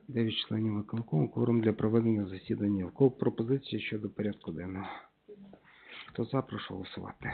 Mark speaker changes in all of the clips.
Speaker 1: 9 членів виконкому, кворум для проведення засідання. В кого пропозиції щодо порядку денного? Хто за, прошу голосувати.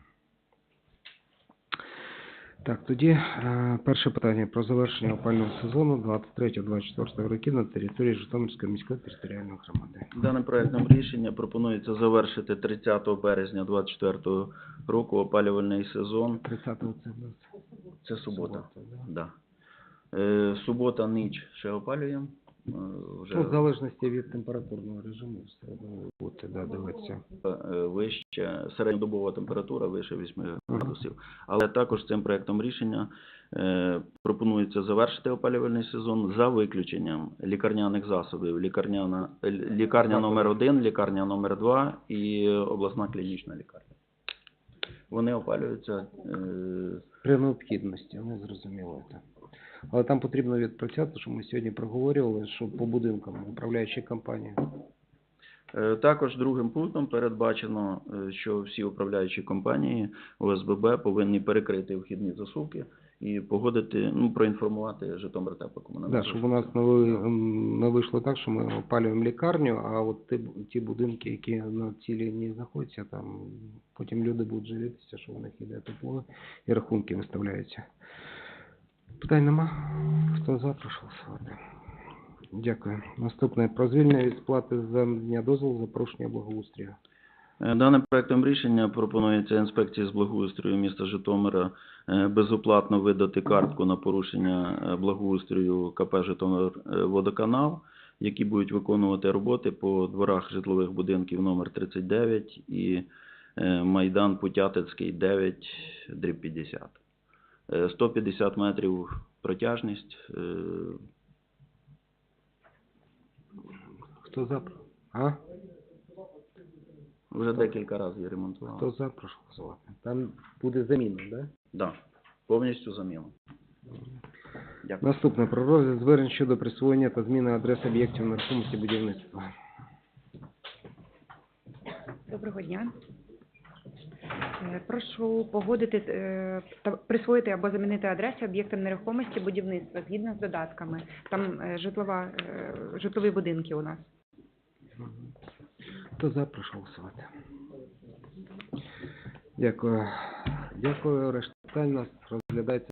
Speaker 1: Так, тоді перше питання про завершення опалювального сезону 23-24 років на території Житомирської міської територіальної громади.
Speaker 2: Даним проектом рішення пропонується завершити 30 березня 2024 року опалювальний сезон.
Speaker 1: 30-го це в нас.
Speaker 2: Це субота.
Speaker 1: Да?
Speaker 2: Да. Субота, ніч ще опалюємо. Вже
Speaker 1: Ну, в залежності від температурного режиму все одно буде, да, дивитися.
Speaker 2: вище, середньодобова температура вище 8 градусів. Але також цим проектом рішення пропонується завершити опалювальний сезон за виключенням лікарняних засобів. Лікарня номер 1, лікарня номер 2 і обласна клінічна лікарня. Вони опалюються
Speaker 1: При необхідності, не зрозуміло це. Але там потрібно відпрацювати, що ми сьогодні проговорювали, що по будинкам управляючі компанії.
Speaker 2: Також другим пунктом передбачено, що всі управляючі компанії ОСББ повинні перекрити вхідні засувки і погодити, проінформувати Житомиртеплокомуненерго.
Speaker 1: Так, щоб у нас не вийшло так, що ми опалюємо лікарню, а от ті будинки, які на цій лінії знаходяться, там потім люди будуть жалітися, що в них іде тепло і рахунки виставляються. Питань нема? Хто за, прошу голосувати. Дякую. Наступне. Про звільнення від сплати за надання дозволу за порушення благоустрою.
Speaker 2: Даним проектом рішення пропонується інспекції з благоустрою міста Житомира безоплатно видати картку на порушення благоустрою КП «Житомирводоканал», які будуть виконувати роботи по дворах житлових будинків номер 39 і Майдан Путятицький 9/50. 150 метрів протяжність.
Speaker 1: Хто за? А?
Speaker 2: Вже декілька разів я ремонтував.
Speaker 1: Хто за, прошу голосувати. Там буде заміна, так? Да?
Speaker 2: Да, повністю заміна. Дякую.
Speaker 1: Наступне. Про розгляд звернень щодо присвоєння та зміни адрес об'єктів нерухомості будівництва.
Speaker 3: Доброго дня. Прошу погодити та присвоїти або замінити адреси об'єктам нерухомості будівництва згідно з додатками. Там житлові будинки у нас.
Speaker 1: Хто за, прошу голосувати. Дякую. Дякую. Решта питань у нас розглядається